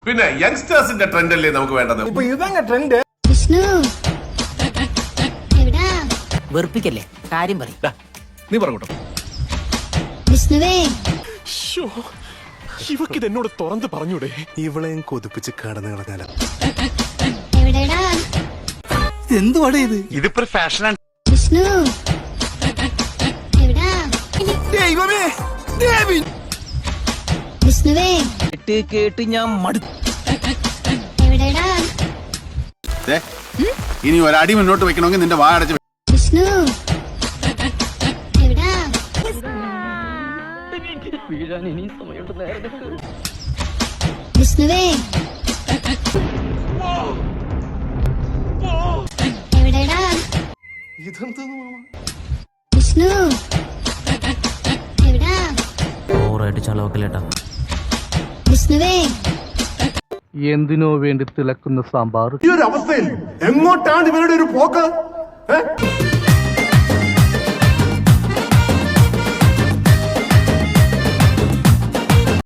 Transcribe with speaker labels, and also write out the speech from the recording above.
Speaker 1: പിന്നെ യങ്സ്റ്റേഴ്സിന്റെ ട്രെൻഡ് അല്ലേ നമുക്ക് വേണ്ടത്.
Speaker 2: ഇപ്പൊ ഇതങ്ങ ട്രെൻഡ്.
Speaker 3: വിഷ്ണു എവിടാ?
Speaker 4: വെറുപ്പിക്കല്ലേ, കാര്യം പറ.
Speaker 5: നീ പറഞ്ഞോട്ടോ.
Speaker 3: വിഷ്ണുവേ
Speaker 5: ഇവക്കിത് എന്നോട് തുറന്ന് പറഞ്ഞൂടെ?
Speaker 6: ഇവളെയും കൊതിപ്പിച്ച് കടന്നു കളഞ്ഞാല.
Speaker 3: എവിടെടാ?
Speaker 4: എന്തുവാടേ ഇത്?
Speaker 6: ഇതിപ്പോ ഫാഷനാണ്.
Speaker 3: വിഷ്ണു എവിടാ? വിഷ്ണുവേ
Speaker 4: കേട്ട് ഞാൻ മടുത്തു.
Speaker 3: എവിടെടാ?
Speaker 7: ഇനി ഒരടി മുന്നോട്ട് വെക്കണമെങ്കിൽ നിന്റെ വാ അടച്ച്.
Speaker 3: വിഷ്ണു എവിടാ? വിഷ്ണുവേ എവിടെടാ? വിഷ്ണു എവിടാ?
Speaker 4: ഓറായിട്ട് ചളവക്കല്ലേട്ടാ.
Speaker 3: വിഷ്ണുവേ
Speaker 8: എന്തിനോ വേണ്ടി തിളക്കുന്ന സാമ്പാർ.
Speaker 2: ഈ ഒരു അവസ്ഥയിൽ എങ്ങോട്ടാണ് ഇവരുടെ ഒരു പോക്ക്?